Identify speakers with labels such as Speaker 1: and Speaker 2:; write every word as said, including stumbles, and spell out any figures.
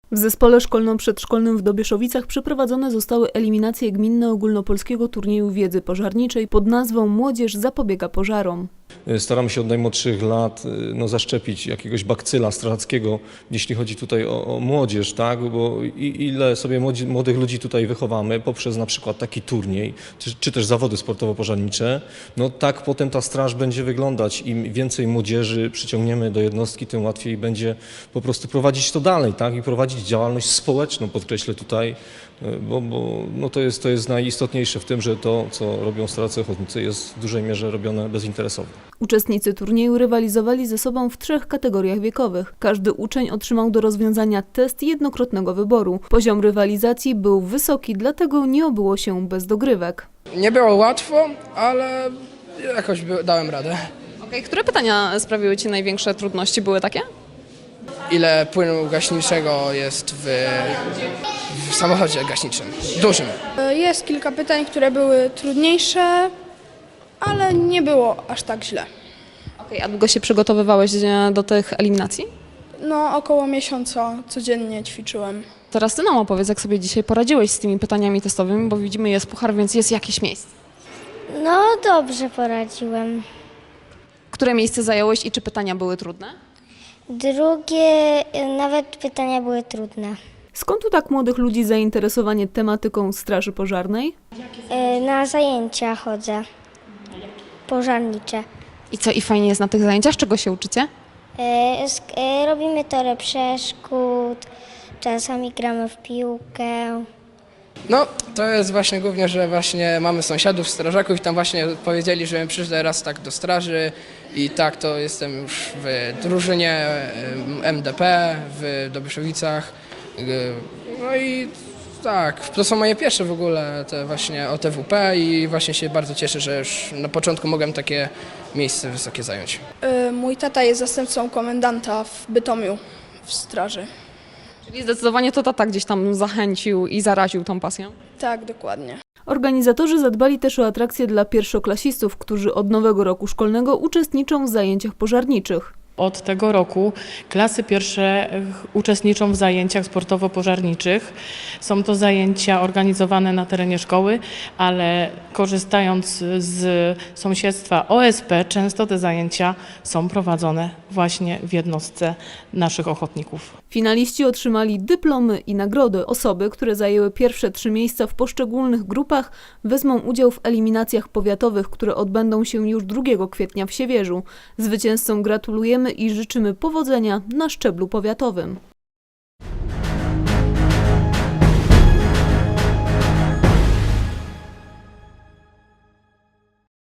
Speaker 1: W zespole szkolno-przedszkolnym w Dobieszowicach przeprowadzone zostały eliminacje gminne ogólnopolskiego turnieju wiedzy pożarniczej pod nazwą Młodzież zapobiega pożarom.
Speaker 2: Staramy się od najmłodszych lat no, zaszczepić jakiegoś bakcyla strzeleckiego, jeśli chodzi tutaj o, o młodzież, tak? Bo ile sobie młodzi, młodych ludzi tutaj wychowamy poprzez na przykład taki turniej, czy, czy też zawody sportowo-pożarnicze, no tak potem ta straż będzie wyglądać. Im więcej młodzieży przyciągniemy do jednostki, tym łatwiej będzie po prostu prowadzić to dalej, tak? I prowadzić działalność społeczną, podkreślę tutaj, bo, bo no to, jest, to jest najistotniejsze w tym, że to, co robią strażacy ochotnicy, jest w dużej mierze robione bezinteresownie.
Speaker 1: Uczestnicy turnieju rywalizowali ze sobą w trzech kategoriach wiekowych. Każdy uczeń otrzymał do rozwiązania test jednokrotnego wyboru. Poziom rywalizacji był wysoki, dlatego nie obyło się bez dogrywek.
Speaker 3: Nie było łatwo, ale jakoś dałem radę.
Speaker 4: Okay. Które pytania sprawiły Ci największe trudności? Były takie?
Speaker 3: Ile płynu gaśniczego jest w, w samochodzie gaśniczym, dużym?
Speaker 5: Jest kilka pytań, które były trudniejsze, ale nie było aż tak źle.
Speaker 4: Okay. A długo się przygotowywałeś do tych eliminacji?
Speaker 5: No, około miesiąca codziennie ćwiczyłem.
Speaker 4: Teraz Ty nam opowiedz, jak sobie dzisiaj poradziłeś z tymi pytaniami testowymi, bo widzimy, jest puchar, więc jest jakieś miejsce.
Speaker 6: No, dobrze poradziłem.
Speaker 4: Które miejsce zająłeś i czy pytania były trudne?
Speaker 6: Drugie, nawet pytania były trudne.
Speaker 1: Skąd u tak młodych ludzi zainteresowanie tematyką straży pożarnej?
Speaker 6: E, Na zajęcia chodzę, pożarnicze.
Speaker 4: I co, i fajnie jest na tych zajęciach? Czego się uczycie?
Speaker 6: E, sk- e, Robimy torę przeszkód, czasami gramy w piłkę.
Speaker 3: No, to jest właśnie głównie, że właśnie mamy sąsiadów, strażaków i tam właśnie powiedzieli, że przyjdę raz tak do straży i tak to jestem już w drużynie M D P w Dobieszowicach. No i tak, to są moje pierwsze w ogóle te właśnie O T W P i właśnie się bardzo cieszę, że już na początku mogłem takie miejsce wysokie zająć.
Speaker 5: Mój tata jest zastępcą komendanta w Bytomiu w straży.
Speaker 4: Czyli zdecydowanie to tata gdzieś tam zachęcił i zaraził tą pasją.
Speaker 5: Tak, dokładnie.
Speaker 1: Organizatorzy zadbali też o atrakcje dla pierwszoklasistów, którzy od nowego roku szkolnego uczestniczą w zajęciach pożarniczych.
Speaker 7: Od tego roku klasy pierwsze uczestniczą w zajęciach sportowo-pożarniczych. Są to zajęcia organizowane na terenie szkoły, ale korzystając z sąsiedztwa O S P, często te zajęcia są prowadzone właśnie w jednostce naszych ochotników.
Speaker 1: Finaliści otrzymali dyplomy i nagrody. Osoby, które zajęły pierwsze trzy miejsca w poszczególnych grupach, wezmą udział w eliminacjach powiatowych, które odbędą się już drugiego kwietnia w Siewierzu. Zwycięzcom gratulujemy i życzymy powodzenia na szczeblu powiatowym.